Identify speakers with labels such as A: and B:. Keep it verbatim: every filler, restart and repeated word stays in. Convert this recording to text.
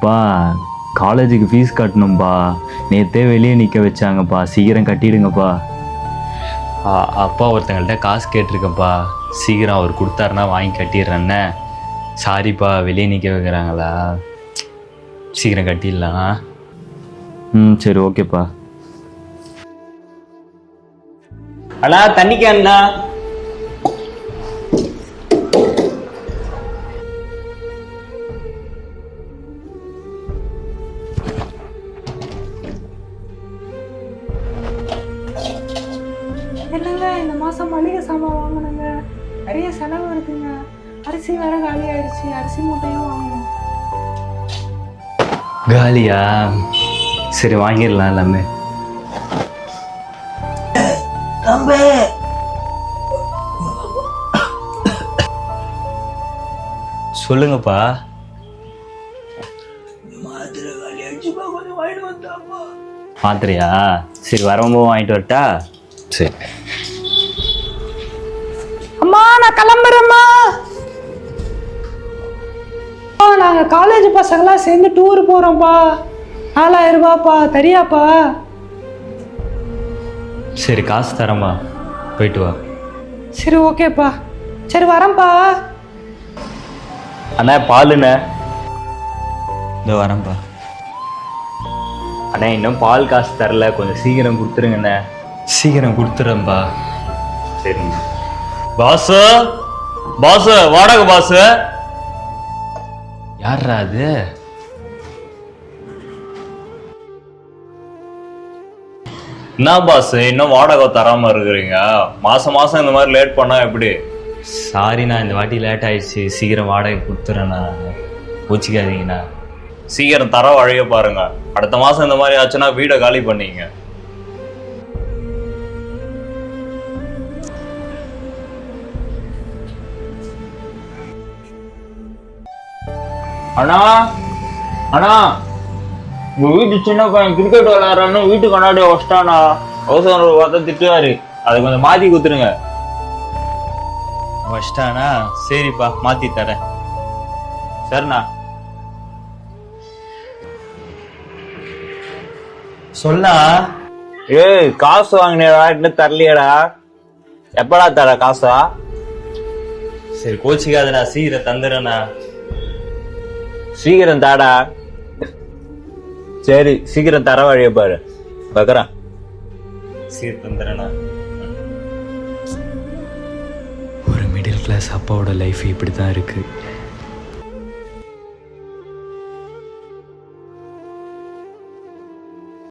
A: அப்பா காலேஜுக்கு ஃபீஸ் கட்டணும்ப்பா, நேற்றே வெளியே நிற்க வச்சாங்கப்பா, சீக்கிரம் கட்டிடுங்கப்பா.
B: அப்பா ஒருத்தங்கள்ட்ட காசு கேட்டிருக்கப்பா, சீக்கிரம் அவர் கொடுத்தாருன்னா வாங்கி கட்டிடுறேன்னே. சாரிப்பா, வெளியே நிற்க வைக்கிறாங்களா, சீக்கிரம் கட்டிடலாம்.
A: ம் சரி ஓகேப்பா.
B: அண்ணா தண்ணி கேண்ணா.
C: என்னங்க இந்த மாதம் மளிகை சாமான் வாங்கணுங்க, நிறைய செலவு இருக்குங்க. அரிசி வேற காலி ஆயிடுச்சு, அரிசி மூட்டையும் வாங்கணும்.
B: காலியா? சரி வாங்கிடலாம் எல்லாமே. சொல்லுங்கப்பா. மாத்திரையா? சரி வரும்போது வாங்கிட்டு வரட்டா? சரி.
C: அம்மா நான் கிளம்புறேம்மா. நாங்கள் காலேஜ் பசங்களாம் சேர்ந்து டூர் போகிறோம்ப்பா, நாலாயிரம் ரூபாப்பா, தெரியாப்பா?
B: சரி காசு தரேம்மா, போயிட்டு வா.
C: சரி ஓகேப்பா, சரி வரேன்ப்பா.
B: அண்ணா பாலுண்ணே. இந்த வரேன்ப்பா. அண்ணா இன்னும் பால் காசு தரல, கொஞ்சம் சீக்கிரம் கொடுத்துருங்கண்ணே. சீக்கிரம் கொடுத்துறேன்ப்பா. சரிங்க பாசு. பாசு வாடகை பாசு. யாரா அது? என்ன பாஸ் இன்னும் வாடகை தராம இருக்கிறீங்க? மாசம் மாசம் இந்த மாதிரி லேட் பண்ணா எப்படி? சாரிண்ணா, இந்த வாட்டி லேட் ஆயிடுச்சு, சீக்கிரம் வாடகை கொடுத்துறேண்ணா, பூச்சிக்காதீங்கண்ணா. சீக்கிரம் தர வழிய பாருங்க, அடுத்த மாசம் இந்த மாதிரி ஆச்சுன்னா வீடை காலி பண்ணீங்க. அண்ணா அண்ணா, உங்க வீட்டு சின்ன பையன் கிரிக்கெட் விளையாடுறான்னு வீட்டு கண்ணாடி வச்சிட்டானா, அவசரம் பார்த்தா திட்டுவாரு, அதை கொஞ்சம் மாத்தி குத்துருங்க. வச்சிட்டானா? சரிப்பா மாத்தி தரேன். சரிண்ணா. சொன்னா ஏய் காசு வாங்கினேடா, இன்னும் தரலையடா, எப்படா தர காசா? சரி கோச்சிக்காதடா, சீக்கிரம் தந்துடுறேண்ணா. சீக்கிரம் தாடா. சரி சீக்கிரம் தர வழிய பாரு, பாக்குறேன். சீக்கிரம் தந்துடுறேண்ணா.
A: ஒரு மிடில் கிளாஸ் அப்பாவோட லைஃப் இப்படி தான் இருக்குது.